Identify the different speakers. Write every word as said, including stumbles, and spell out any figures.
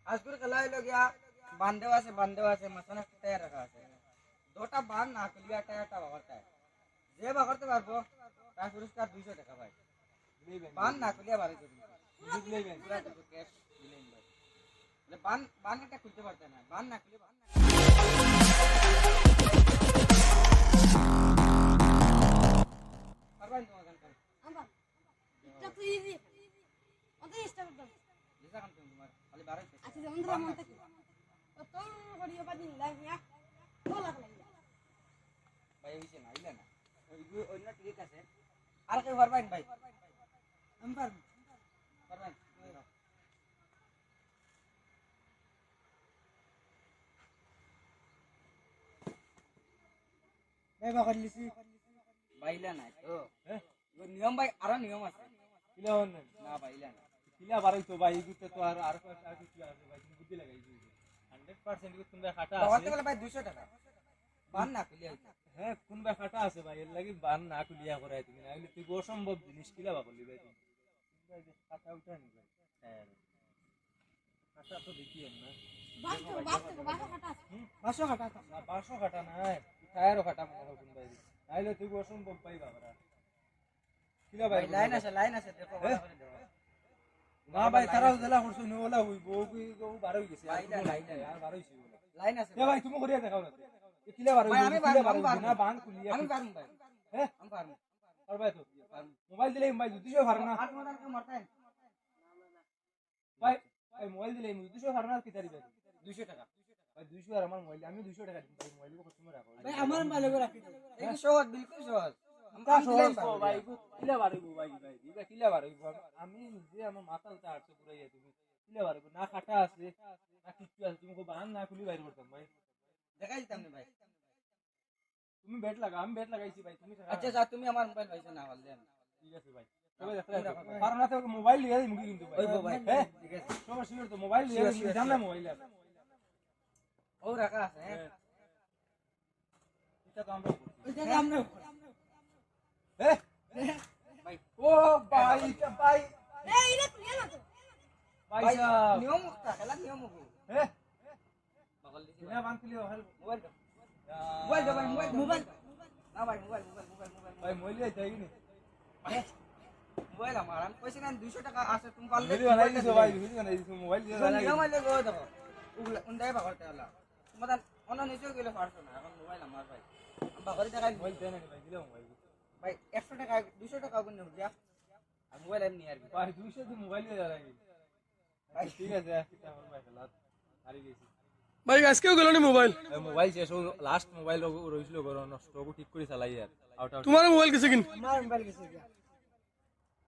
Speaker 1: আজকের খেলা হইল গিয়া বান্ধেও আছে বান্ধেও আছে মাঝখানে একটা টায়ার রাখা আছে দুটা বান না খুলিয়া টায়ারটা বাগরটায় যে বাগরতে পারবো তার পুরস্কার দুইশো টাকা ভাই বান না খুলিয়া বাড়ি দেবেন পুরা দেবো ক্যাশ দিলেন ভাই বান বান একটা খুলতে পারতে না বান না খুলে বান না পারবেন তোমার গান
Speaker 2: আমরা এটা তো ইজি ওদের স্টার্ট দাও
Speaker 1: যেটা কাম তোমার খালি বাড়াই
Speaker 2: আচ্ছা যেমন ধরো মন থেকে তো তোর করিও বাদি লাগিয়া বলা লাগিয়া
Speaker 1: ভাই হইছে না আইলা না ওই অন্য ঠিক আছে আর কেউ পারবেন ভাই আমি পারবো পারবেন ভাই বাকর লিছি বাইলা না তো হ্যাঁ নিয়ম ভাই আরো নিয়ম আছে
Speaker 3: কিলা হন
Speaker 1: না বাইলা না
Speaker 3: কিলা বারই তো ভাই গুতে তো আর আর কয়েকটা আর কিছু আছে ভাই তুমি বুদ্ধি লাগাইছো হান্ড্রেড পার্সেন্ট কি তুমি খাটা
Speaker 1: বাবাতে
Speaker 3: আছে
Speaker 1: বলে ভাই দুইশো টাকা বান না খুলিয়া হইছে
Speaker 3: হ্যাঁ কোন ভাই খাটা আছে ভাই এর লাগি বান না খুলিয়া করাই তুমি নাইলে তুই অসম্ভব জিনিস কিলা বা বললি ভাই তুমি ভাই খাটা উঠাই নি ভাই হ্যাঁ খাটা তো দেখি না
Speaker 2: বাস তো বাস তো বাস কাটা আছে
Speaker 1: পাঁচশো টাকা
Speaker 3: না বারোশো খাটা নাই টায়ারও খাটা মনে হয় কোন ভাই নাইলে তুই অসম্ভব পাই বাবারা কিলা ভাই
Speaker 1: ভাই লাইন আছে লাইন আছে দেখো ভালো করে দেখো
Speaker 3: না ভাই তারাও জেলা করছো নি ওলা হইব ও বার হই গেছে
Speaker 1: লাইন লাইন
Speaker 3: আর বার হইছে
Speaker 1: লাইন আছে
Speaker 3: এ ভাই তুমি করিয়া দেখাও না এ কিলা বার
Speaker 1: ভাই, আমি পারবো, আমি পারবো।
Speaker 3: না বান খুলিয়া
Speaker 1: আমি পারবো ভাই
Speaker 3: হ্যাঁ
Speaker 1: আমি পারবো
Speaker 3: আর ভাই তো মোবাইল দিলে ভাই দুশো ভার না
Speaker 1: আর তোমার কেউ মারতেন
Speaker 3: ভাই ভাই মোবাইল দিলে দুশো ভার না কি তারি ভাই
Speaker 1: দুইশো টাকা
Speaker 3: ভাই দুশো আর আমার মোবাইল আমি দুশো টাকা দিই মোবাইল কো তুমি রাখো
Speaker 1: ভাই আমার মোবাইলে করে রাখি এই কি সহজ বিলকুল সহজ
Speaker 3: তা সহজ ভাই কিলা বার হইব ভাই ভাই দিবা কিলা বার হইব আমি নিজে আমার মাথা উঠা আটশো পুরাইয়া তুমি কিলা বার হইব না খাটা আছে না কিছু আছে তুমি কো বান না খুলি বাইর করতাম ভাই
Speaker 1: দেখাই দিতাম না ভাই
Speaker 3: তুমি বেট লাগা আমি বেট লাগাইছি ভাই তুমি
Speaker 1: আচ্ছা যা তুমি আমার মোবাইল পাইছো না বললে
Speaker 3: ঠিক আছে ভাই তবে দেখা কারণ না তো মোবাইল লিয়ে দিই মুখে কিন্তু ভাই
Speaker 1: ওই ভাই
Speaker 3: হ্যাঁ
Speaker 1: ঠিক আছে
Speaker 3: সবার শিওর তো মোবাইল লিয়ে দিই জানলে মোবাইল আছে
Speaker 1: ও রাখা আছে হ্যাঁ
Speaker 3: এটা তো আমরা
Speaker 1: ওইটা আমরা
Speaker 3: হ্যাঁ
Speaker 1: ভাই
Speaker 3: ও ভাই এটা ভাই
Speaker 2: এই এটা ক্লিয়ার না তো
Speaker 3: ভাই
Speaker 1: ভাই
Speaker 3: সাহেব
Speaker 1: নিয়ম মুক্তা খেলা নিয়ম মুক্ত
Speaker 3: হ্যাঁ
Speaker 1: বগল দিছি
Speaker 3: কিনা বান খুলি হেল
Speaker 1: মোবাইল দাও মোবাইল দাও ভাই মোবাইল মোবাইল না ভাই মোবাইল মোবাইল মোবাইল মোবাইল
Speaker 3: ভাই মোবাইল লিয়ে যাই নি
Speaker 1: মোবাইল আমার আমি কইছি না দুইশো টাকা আছে তুমি পারলে
Speaker 3: ভিডিও বানাই দিছো ভাই ভিডিও বানাই দিছো মোবাইল দিয়ে বানাই
Speaker 1: নিয়ম আইলে গো দেখো উগলা উন্দাই বাগরতে হলা তোমাদের অন্য নিচেও গেলে পারছো না এখন মোবাইল আমার ভাই আমি বাগরি টাকা
Speaker 3: মোবাইল দেন ভাই দিলাম মোবাইল
Speaker 1: ভাই একশো টাকা দুইশো টাকা গুণ নেব দিয়া আর মোবাইল এমনি আর কি
Speaker 3: ভাই দুইশো দিয়ে মোবাইল দিয়ে যাই ভাই ঠিক আছে এটা আমার ভাই খেলা হারি গেছি
Speaker 4: ভাই আজকেও গেল নি মোবাইল
Speaker 3: মোবাইল শেষ লাস্ট মোবাইল রইছিল ঘর নষ্ট ঠিক করে চালাই আর আউট আউট
Speaker 4: তোমার মোবাইল গেছে কিন
Speaker 1: আমার মোবাইল গেছে গিয়া